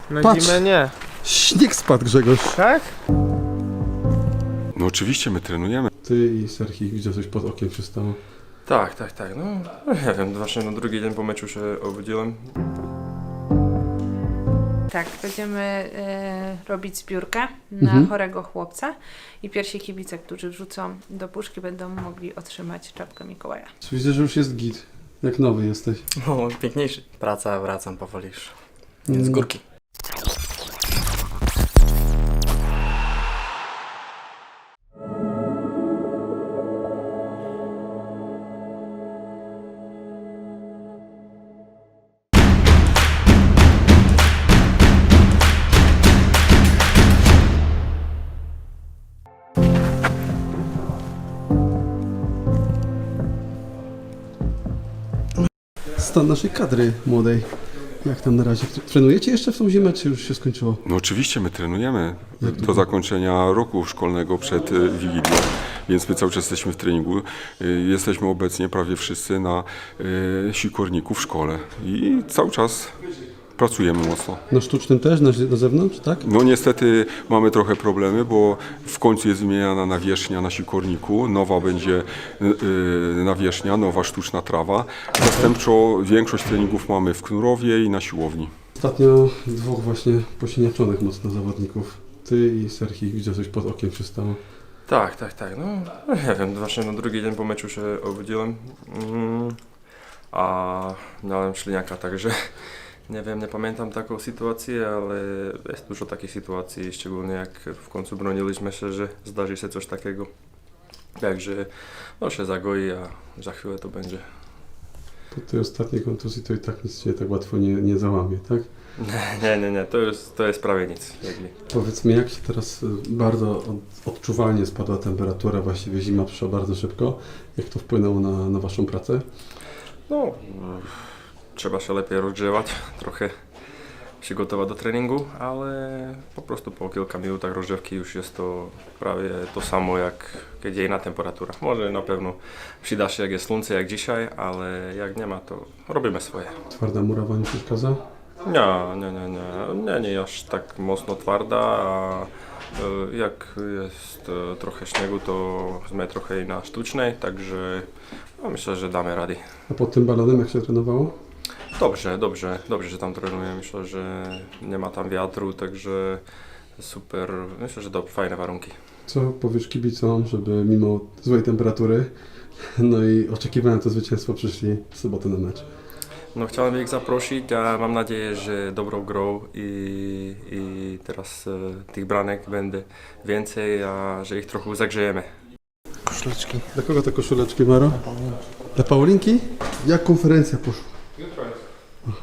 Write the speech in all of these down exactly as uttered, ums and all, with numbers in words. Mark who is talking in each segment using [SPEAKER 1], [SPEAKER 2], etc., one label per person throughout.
[SPEAKER 1] Na
[SPEAKER 2] Patrz.
[SPEAKER 1] zimę nie.
[SPEAKER 2] Śnieg spadł, Grzegorz.
[SPEAKER 1] Tak?
[SPEAKER 3] No oczywiście my trenujemy.
[SPEAKER 2] Ty i Serhi, widzę, coś pod okiem się stało.
[SPEAKER 4] Tak, tak, tak. No nie wiem, właśnie na drugi dzień po meczu się obudziłem.
[SPEAKER 5] Tak, będziemy e, robić zbiórkę na
[SPEAKER 2] Mhm.
[SPEAKER 5] chorego chłopca i pierwsi kibice, którzy wrzucą do puszki, będą mogli otrzymać czapkę Mikołaja.
[SPEAKER 2] Widzę, że już jest git. Jak nowy jesteś.
[SPEAKER 6] No, piękniejszy. Praca, wracam powoli już. Więc z górki.
[SPEAKER 2] Stan naszej kadry młodej. Jak tam na razie? Trenujecie jeszcze w tą zimę, czy już się skończyło?
[SPEAKER 3] No oczywiście my trenujemy
[SPEAKER 2] Jak to?
[SPEAKER 3] do zakończenia roku szkolnego przed y, Wigilią, więc my cały czas jesteśmy w treningu. Y, Jesteśmy obecnie prawie wszyscy na y, sikorniku w szkole i cały czas pracujemy mocno.
[SPEAKER 2] Na sztucznym też, na, na zewnątrz, tak?
[SPEAKER 3] No niestety mamy trochę problemy, bo w końcu jest wymieniana nawierzchnia na sikorniku, nowa będzie y, y, nawierzchnia, nowa sztuczna trawa. Zastępczo większość treningów mamy w Knurowie i na siłowni.
[SPEAKER 2] Ostatnio dwóch właśnie posiniaczonych mocno zawodników. Ty i Serhi, widzę, coś pod okiem się stało.
[SPEAKER 4] Tak, tak, tak. No nie wiem, właśnie na drugi dzień po meczu się obudziłem. Mm, a miałem śliniaka, także nie wiem, nie pamiętam taką sytuację, ale jest dużo takich sytuacji, szczególnie jak w końcu broniliśmy się, że zdarzy się coś takiego. Także no się zagoi, a za chwilę to będzie.
[SPEAKER 2] Po tej ostatniej kontuzji to i tak nic się tak łatwo nie, nie załamie, tak?
[SPEAKER 4] Nie, nie, nie, to jest, to jest prawie nic. Jakby.
[SPEAKER 2] Powiedz mi, jak się teraz y, bardzo od, odczuwalnie spadła temperatura, właściwie zima przyszła bardzo szybko. Jak to wpłynęło na, na waszą pracę?
[SPEAKER 4] No, trzeba się lepiej rozgrzewać, trochę przygotować do treningu, ale po prostu po kilka minutach rozgrzewki już jest to prawie to samo jak kiedy inna temperatura. Może na pewno przyda się jak jest słońce jak dzisiaj, ale jak nie ma, to robimy swoje.
[SPEAKER 2] Twarda murawa nie przeszkadza?
[SPEAKER 4] Nie, nie, nie, nie, nie, nie aż tak mocno twarda, a e, jak jest e, trochę śniegu, to jsme trochę na sztucznej, także no, myślę, że damy rady.
[SPEAKER 2] A pod tym balonem jak się trenowało?
[SPEAKER 4] Dobrze, dobrze, dobrze, że tam trenuję. Myślę, że nie ma tam wiatru, także super. Myślę, że to fajne warunki.
[SPEAKER 2] Co powiesz kibicom, żeby mimo złej temperatury, no i oczekiwania na to zwycięstwo przyszli w sobotę na mecz?
[SPEAKER 4] No chciałem ich zaprosić, a mam nadzieję, że dobrą grą i, i teraz e, tych branek będzie więcej, a że ich trochę zagrzejemy.
[SPEAKER 1] Koszuleczki.
[SPEAKER 2] Dla kogo te koszuleczki, Maro? Dla Paulinki? Jak konferencja poszła?
[SPEAKER 4] Jutro jest.
[SPEAKER 2] Aha.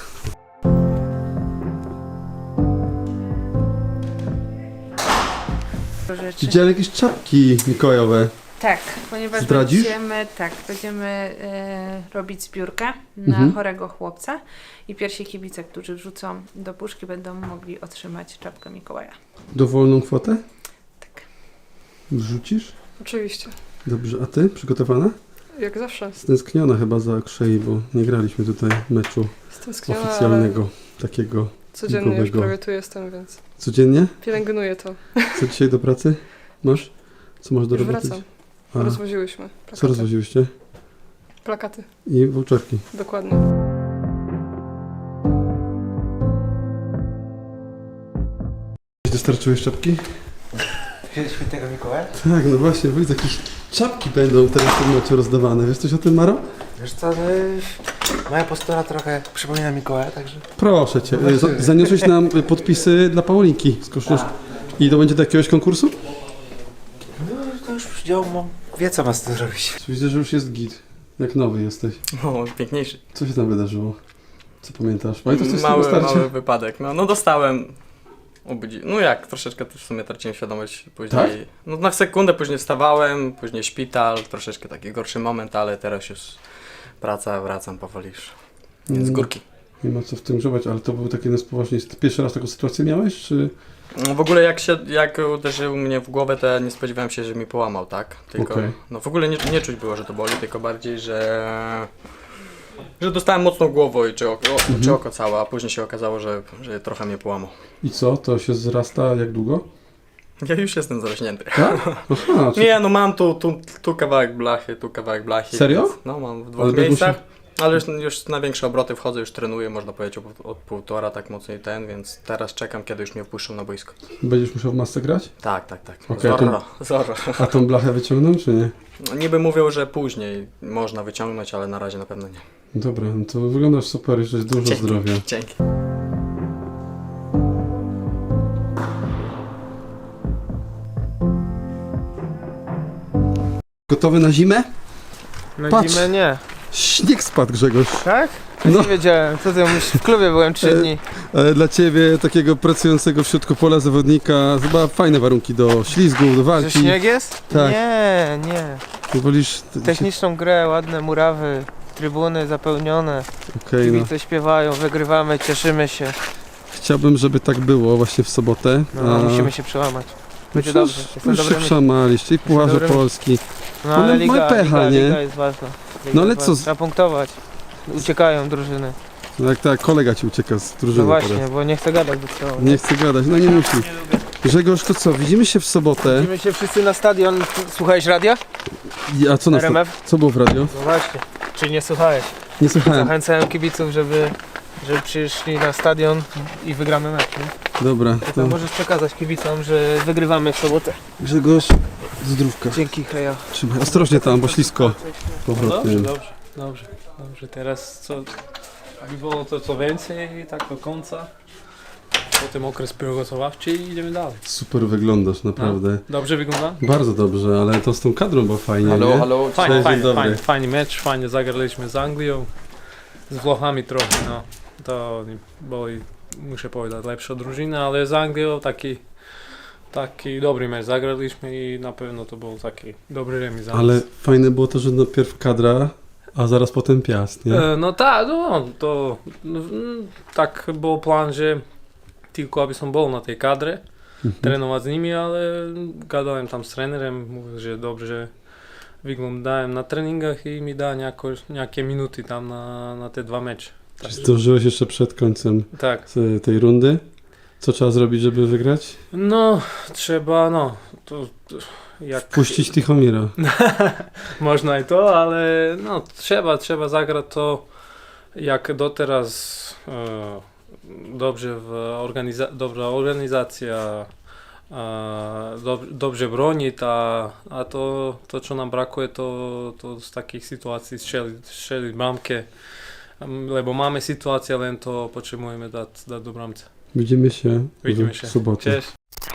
[SPEAKER 5] Rzeczy.
[SPEAKER 2] Widziałem jakieś czapki mikołajowe.
[SPEAKER 5] Tak, ponieważ
[SPEAKER 2] Zdradzisz?
[SPEAKER 5] będziemy, tak, będziemy e, robić zbiórkę na
[SPEAKER 2] Mhm.
[SPEAKER 5] chorego chłopca i pierwsi kibice, którzy wrzucą do puszki, będą mogli otrzymać czapkę Mikołaja.
[SPEAKER 2] Dowolną kwotę?
[SPEAKER 5] Tak.
[SPEAKER 2] Wrzucisz?
[SPEAKER 7] Oczywiście,
[SPEAKER 2] Dobrze, a ty? Przygotowana?
[SPEAKER 7] jak zawsze.
[SPEAKER 2] Stęskniona chyba za Krzei, bo nie graliśmy tutaj meczu
[SPEAKER 7] Stęskniona, ale
[SPEAKER 2] oficjalnego, takiego
[SPEAKER 7] codziennie już
[SPEAKER 2] ligowego.
[SPEAKER 7] prawie tu jestem, więc
[SPEAKER 2] Codziennie?
[SPEAKER 7] pielęgnuję to.
[SPEAKER 2] Co dzisiaj do pracy masz? Co masz do
[SPEAKER 7] Już
[SPEAKER 2] roboty?
[SPEAKER 7] wracam.
[SPEAKER 2] A,
[SPEAKER 7] Rozwoziłyśmy plakaty.
[SPEAKER 2] co rozwoziłyście?
[SPEAKER 7] Plakaty,
[SPEAKER 2] I voucherki.
[SPEAKER 7] dokładnie.
[SPEAKER 2] Dostarczyłeś czapki?
[SPEAKER 1] Świętego Mikołaja?
[SPEAKER 2] Tak, no właśnie, widzę, jakieś czapki będą teraz w tym meczu rozdawane. Wiesz coś o tym, Maro?
[SPEAKER 1] Wiesz co, no, moja postura trochę przypomina Mikołaja, także...
[SPEAKER 2] Proszę cię, y, za- zaniosłeś nam y, podpisy dla Paulinki z koszulą. I to będzie do jakiegoś konkursu?
[SPEAKER 1] No to już wziął, mam, wie co ma z tym zrobić.
[SPEAKER 2] Widzę, że już jest git. Jak nowy jesteś.
[SPEAKER 6] No, piękniejszy.
[SPEAKER 2] Co się tam wydarzyło? Co pamiętasz? Pamiętasz coś z tego
[SPEAKER 6] Mały,
[SPEAKER 2] starcia?
[SPEAKER 6] mały wypadek. No, no dostałem. Obudzi... No jak, troszeczkę też w sumie traciłem świadomość później.
[SPEAKER 2] Tak?
[SPEAKER 6] No na sekundę później wstawałem, później szpital, troszeczkę taki gorszy moment, ale teraz już praca, wracam powoli już. Więc z
[SPEAKER 2] Mm.
[SPEAKER 6] górki.
[SPEAKER 2] Nie ma co w tym grzebać, ale to był taki jeden z poważniejszych. Pierwszy raz taką sytuację miałeś, czy...
[SPEAKER 6] No w ogóle jak się, jak uderzył mnie w głowę, to ja nie spodziewałem się, że mi połamał, tak? Tylko,
[SPEAKER 2] Okej.
[SPEAKER 6] no w ogóle nie, nie czuć było, że to boli, tylko bardziej, że Że dostałem mocną głową i czy oko, o, czy oko całe, a później się okazało, że, że trochę mnie połamał.
[SPEAKER 2] I co? To się zrasta jak długo?
[SPEAKER 6] Ja już jestem zarośnięty.
[SPEAKER 2] Tak? Aha, czy...
[SPEAKER 6] Nie, no mam tu, tu, tu kawałek blachy, tu kawałek blachy.
[SPEAKER 2] Serio?
[SPEAKER 6] Więc, no mam w dwóch
[SPEAKER 2] Ale będę
[SPEAKER 6] miejscach. Ale już, już na większe obroty wchodzę, już trenuję, można powiedzieć od, od półtora, tak mocniej ten, więc teraz czekam, kiedy już mnie wpuszczą na boisko.
[SPEAKER 2] Będziesz musiał w masce grać?
[SPEAKER 6] Tak, tak, tak.
[SPEAKER 2] Okej,
[SPEAKER 6] Zorro, zorro.
[SPEAKER 2] A tą blachę wyciągną, czy nie?
[SPEAKER 6] No, niby mówią, że później można wyciągnąć, ale na razie na pewno nie.
[SPEAKER 2] Dobra, no to wyglądasz super i żeś dużo
[SPEAKER 6] Dzięki.
[SPEAKER 2] zdrowia.
[SPEAKER 6] Dzięki.
[SPEAKER 2] Gotowy na zimę?
[SPEAKER 1] Na
[SPEAKER 2] Patrz.
[SPEAKER 1] zimę nie.
[SPEAKER 2] Śnieg spadł, Grzegorz.
[SPEAKER 1] Tak?
[SPEAKER 2] No.
[SPEAKER 1] No. Nie wiedziałem, co ty mówisz, w klubie byłem trzy
[SPEAKER 2] E,
[SPEAKER 1] dni.
[SPEAKER 2] Ale dla ciebie, takiego pracującego w środku pola zawodnika, chyba fajne warunki do ślizgu, do
[SPEAKER 1] Że
[SPEAKER 2] walki.
[SPEAKER 1] śnieg jest?
[SPEAKER 2] Tak.
[SPEAKER 1] Nie, nie.
[SPEAKER 2] Wolisz...
[SPEAKER 1] Techniczną grę, ładne murawy, trybuny zapełnione,
[SPEAKER 2] Okej, no.
[SPEAKER 1] kibice śpiewają, wygrywamy, cieszymy się.
[SPEAKER 2] Chciałbym, żeby tak było właśnie w sobotę.
[SPEAKER 1] No,
[SPEAKER 2] A-
[SPEAKER 1] musimy się przełamać. Będzie
[SPEAKER 2] Przecież
[SPEAKER 1] dobrze. Jestem
[SPEAKER 2] Już się
[SPEAKER 1] dobry myśl.
[SPEAKER 2] przemaliście i Pucharze
[SPEAKER 1] dobry myśl.
[SPEAKER 2] Polski.
[SPEAKER 1] No
[SPEAKER 2] ale
[SPEAKER 1] ale
[SPEAKER 2] mamy
[SPEAKER 1] liga,
[SPEAKER 2] pecha,
[SPEAKER 1] liga,
[SPEAKER 2] nie?
[SPEAKER 1] liga jest ważna. Liga
[SPEAKER 2] No ale
[SPEAKER 1] jest
[SPEAKER 2] co
[SPEAKER 1] ważna.
[SPEAKER 2] z-
[SPEAKER 1] Trzeba punktować. Uciekają drużyny.
[SPEAKER 2] No jak tak, kolega ci ucieka z drużyny
[SPEAKER 1] No właśnie,
[SPEAKER 2] teraz.
[SPEAKER 1] bo nie chcę gadać do całego.
[SPEAKER 2] Nie chce gadać, no nie musi. Grzegorz, to co, widzimy się w sobotę.
[SPEAKER 1] Widzimy się wszyscy na stadion. Słuchałeś radia?
[SPEAKER 2] A co, na
[SPEAKER 1] R M F?
[SPEAKER 2] co było w radio?
[SPEAKER 1] No właśnie. Czy nie słuchałeś?
[SPEAKER 2] Nie słuchałem.
[SPEAKER 1] Zachęcałem kibiców, żeby, żeby przyszli na stadion i wygramy mecz. Nie?
[SPEAKER 2] Dobra,
[SPEAKER 1] To
[SPEAKER 2] to
[SPEAKER 1] możesz przekazać kibicom, że wygrywamy w sobotę.
[SPEAKER 2] Grzegorz, zdrówka.
[SPEAKER 1] Dzięki, heja.
[SPEAKER 2] Trzymaj, ostrożnie tam, bo ślisko. Powrotnie.
[SPEAKER 8] Dobrze, dobrze, dobrze, dobrze. Teraz co, by było to co więcej i tak do końca. Potem okres przygotowawczy i idziemy dalej.
[SPEAKER 2] Super wyglądasz, naprawdę.
[SPEAKER 8] Dobrze wygląda?
[SPEAKER 2] Bardzo dobrze, ale to z tą kadrą było fajnie,
[SPEAKER 6] Halo,
[SPEAKER 2] nie?
[SPEAKER 6] halo.
[SPEAKER 8] Fajnie,
[SPEAKER 2] Dzień
[SPEAKER 8] fajnie,
[SPEAKER 2] dobry.
[SPEAKER 8] fajnie, fajny mecz, fajnie zagraliśmy z Anglią, z Włochami trochę, no. To oni byli, muszę powiedzieć, lepsza drużyna, ale z Anglią taki, taki dobry mecz zagraliśmy i na pewno to był taki dobry remis. za nas.
[SPEAKER 2] Ale fajne było to, że najpierw kadra, a zaraz potem Piast, nie?
[SPEAKER 8] E, No tak, no to no, mm, tak był plan, że tylko aby som bol na tej kadre,
[SPEAKER 2] Mhm.
[SPEAKER 8] trenować z nimi, ale gadałem tam z trenerem, mówił, że dobrze, że wyglądałem na treningach i mi da niejako, nejaké minuty tam na, na te dwa mecze.
[SPEAKER 2] Czy zdążyłeś jeszcze przed końcem
[SPEAKER 8] Tak,
[SPEAKER 2] z tej rundy? Co trzeba zrobić, żeby wygrać?
[SPEAKER 8] no trzeba, no, to, to jak...
[SPEAKER 2] Puścić Tichomira.
[SPEAKER 8] Można i to, ale no trzeba, trzeba zagrać to jak doteraz e, dobrze w organiza dobra organizacja, e, dob dobrze broni, ta, a to, to co nam brakuje to, to z takich sytuacji strzelić, strzelić bramkę, Em, lebo mamy sytuację, ale to potrzebujemy dać, dać do bramce.
[SPEAKER 2] Widzimy się
[SPEAKER 8] Widzimy
[SPEAKER 2] w
[SPEAKER 8] się.
[SPEAKER 2] sobotę.
[SPEAKER 8] Cześć.